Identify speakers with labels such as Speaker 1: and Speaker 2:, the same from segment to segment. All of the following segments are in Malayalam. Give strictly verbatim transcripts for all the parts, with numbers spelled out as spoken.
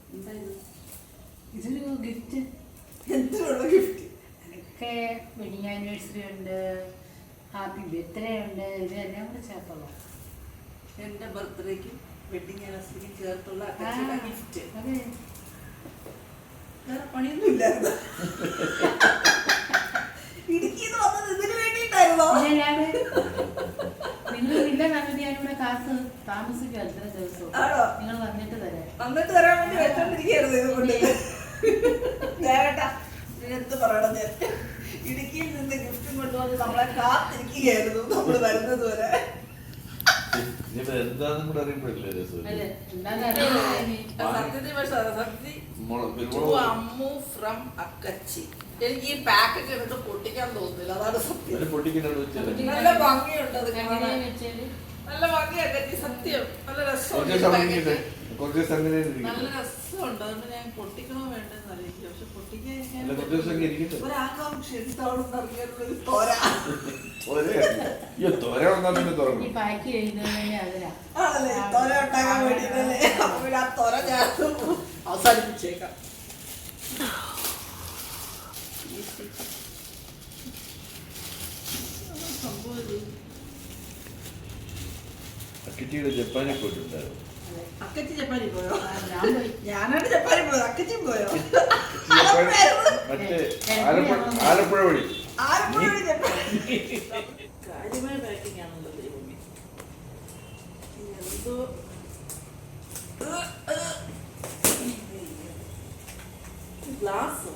Speaker 1: ഇതൊരു ഗിഫ്റ്റ്.
Speaker 2: എന്തിനുള്ള ഗിഫ്റ്റ്?
Speaker 1: എനിക്ക് വെഡിങ് ആനിവേഴ്സറി ഉണ്ട്, ഹാപ്പി ബർത്ത്ഡേ ഉണ്ട്, ഇതെല്ലാം കൂടെ ചേർത്തോളാം.
Speaker 2: എന്റെ ബർത്ത്ഡേക്കും വെഡിങ് ആനിവേഴ്സറിക്കും ചേർത്തുള്ള ഗിഫ്റ്റ്.
Speaker 1: അതെ,
Speaker 2: വേറെ പണിയൊന്നും ഇല്ലായിരുന്നു. ഇടുക്കിന്ന് വന്നത് ഇതിന് വേണ്ടിയിട്ടായിരുന്നോ?
Speaker 1: നിങ്ങൾ ഇല്ല കണ്ടിട്ട് ഞാനിവിടെ കാസ് താമസിക്കും എത്ര ദിവസവും. നിങ്ങൾ വന്നിട്ട് തരാം.
Speaker 2: വന്നിട്ട് തരാൻ വേണ്ടി വെച്ചോണ്ടിരിക്കുകയായിരുന്നു ഇതുകൊണ്ട്. എന്ത് പറയണം, ഞാൻ ഇടുക്കിയിൽ നിന്ന് ഗിഫ്റ്റും കൊണ്ടുവന്ന് നമ്മളെ കാത്തിരിക്കുകയായിരുന്നു നമ്മള് വരുന്നത് വരെ. എനിക്ക് ഈ പാക്കറ്റ് എടുത്ത് പൊട്ടിക്കാൻ തോന്നുന്നില്ല, അതാണ് സത്യം. നല്ല ഭംഗിയുണ്ട്, അത് നല്ല ഭംഗിയൊക്കെ സത്യം. നല്ല രസമുണ്ട്, നല്ല രസമുണ്ട്. അതുകൊണ്ട് ഞാൻ പൊട്ടിക്കണോ വേണ്ടെന്ന് അറിയില്ല. പക്ഷെ പൊട്ടിക്കാൻ ഒരാകാംക്ഷ എന്താണെന്ന് അറിയാനുള്ളൊരു തോര ആണല്ലേ, തോര ഉണ്ടാക്കാൻ വേണ്ടിട്ടല്ലേ. അപ്പൊ പിന്നെ ആ തോര ഞാൻ അവസാനിപ്പിച്ചേക്കാം.
Speaker 3: അക്കച്ചിയുടെ ജപ്പാനിൽ പോയിട്ടുണ്ടായിരുന്നു.
Speaker 2: അക്കച്ചി ജപ്പാനിൽ പോയോ? ഞാനാണ് ജപ്പാനിൽ പോയത്. അക്കച്ചി പോയോ?
Speaker 3: മറ്റേ ആലപ്പുഴ വഴി.
Speaker 2: ആലപ്പുഴ വഴി ജപ്പാനിൽ. കാര്യമായ പാക്കിംഗ് ആണല്ലോ ദൈവമേ. എന്തോ ഗ്ലാസ്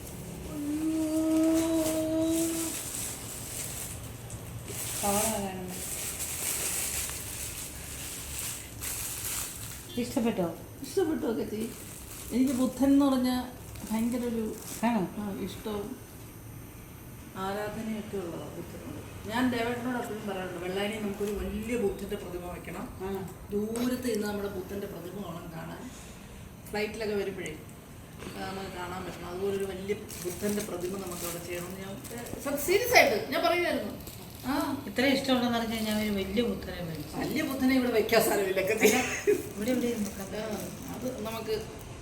Speaker 1: ഇഷ്ടപ്പെട്ടോ?
Speaker 2: ഇഷ്ടപ്പെട്ടു ഒക്കെ ചെയ്യും. എനിക്ക് ബുദ്ധൻ എന്ന് പറഞ്ഞ ഭയങ്കര ഒരു ഇഷ്ടവും ആരാധനയൊക്കെ ഉള്ളതാണ് ബുദ്ധനോട്. ഞാൻ ദേവേട്ടനോട് എപ്പോഴും പറയാറുണ്ട്, വെള്ളാനി നമുക്കൊരു വലിയ ബുദ്ധൻ്റെ പ്രതിമ വെക്കണം. ദൂരത്ത് ഇന്ന് നമ്മുടെ ബുദ്ധൻ്റെ പ്രതിമ വേണം കാണാൻ. ഫ്ലൈറ്റിലൊക്കെ വരുമ്പോഴേ നമുക്ക് കാണാൻ പറ്റണം. അതുപോലെ ഒരു വലിയ ബുദ്ധൻ്റെ പ്രതിമ നമുക്ക് അവിടെ ചെയ്യണമെന്ന് ഞാൻ സീരിയസ് ആയിട്ട് ഞാൻ പറയുമായിരുന്നു. ആ
Speaker 1: ഇത്ര ഇഷ്ടമുണ്ടെന്ന് പറഞ്ഞാൽ ഞാൻ ഒരു വലിയ ബുദ്ധനെ മേടിച്ചു.
Speaker 2: വലിയ ബുദ്ധനെ ഇവിടെ വെക്കാൻ സ്ഥലമില്ല.
Speaker 1: ഇവിടെ ഇവിടെ
Speaker 2: അത് നമുക്ക്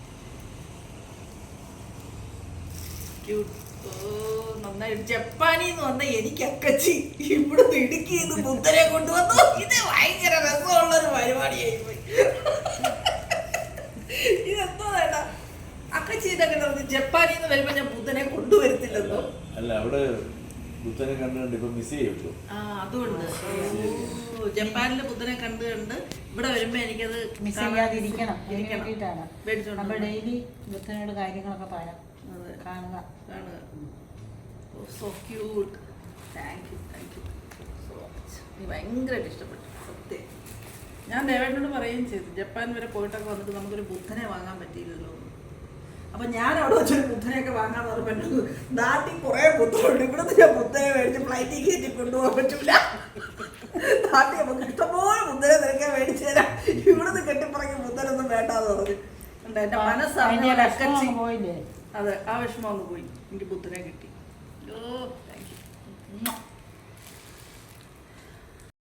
Speaker 2: നന്നായിട്ട് ജപ്പാനിന്ന് വന്ന എനിക്ക് അക്കച്ചി ഇവിടുന്ന് ഇടുക്കിന്ന് ബുദ്ധനെ കൊണ്ടുവന്നു. ഇത് ഭയങ്കര രസമുള്ളൊരു പരിപാടിയായി പോയി. ഇതെന്തോ വേണ്ട അക്കച്ചി ഇതൊക്കെ പറഞ്ഞു. ജപ്പാനിന്ന് വരുമ്പോ ഞാൻ ബുദ്ധനെ കൊണ്ടുവരത്തില്ലെന്നോ.
Speaker 3: അല്ല, അവിടെ ബുദ്ധനെ കണ്ടുകൊണ്ട് ഇപ്പൊ മിസ് ചെയ്യൂ.
Speaker 2: ആ അതുകൊണ്ട് ജപ്പാനിലെ ബുദ്ധനെ കണ്ടു കണ്ട് ഇവിടെ വരുമ്പോ എനിക്കത്
Speaker 1: മിസ് ചെയ്യാതിരിക്കണം. നമ്മൾ ഡെയിലി ബുദ്ധനോട് കാര്യങ്ങളൊക്കെ പറയാം, കാണുക
Speaker 2: കാണുക. So cute. Thank you thank you so much. എനിക്ക് ഭയങ്കരമായിട്ട് ഇഷ്ടപ്പെട്ടു സത്യം. ഞാൻ ദേവേട്ടനോട് പറയുകയും ചെയ്തു, ജപ്പാൻ വരെ പോയിട്ടൊക്കെ വന്നിട്ട് നമുക്കൊരു ബുദ്ധനെ വാങ്ങാൻ പറ്റിയില്ലല്ലോ. അപ്പൊ ഞാൻ അവിടെ വെച്ചൊരു ബുദ്ധനെയൊക്കെ വാങ്ങാൻ പറഞ്ഞിട്ടുണ്ട്. നാട്ടിൽ കുറെ ബുദ്ധനുണ്ട്, ഇവിടുന്ന് ഞാൻ ബുദ്ധനെ മേടിച്ച് ഫ്ലൈറ്റിൽ കയറ്റി കൊണ്ടുപോകാൻ പറ്റൂല. നാട്ടിൽ നമുക്ക് ഇഷ്ടംപോലെ ബുദ്ധനെ നിനക്കാൻ മേടിച്ചു തരാം, ഇവിടുന്ന് കെട്ടിപ്പറങ്ങി ബുദ്ധനൊന്നും വേണ്ടാന്ന് പറഞ്ഞു. എന്റെ മനസ്സാണ് അക്കച്ചി പോയില്ലേ. അതെ, ആ വിഷമം അങ്ങ് പോയി. എനിക്ക് ബുദ്ധനെ കിട്ടി. ഓ താങ്ക് യു.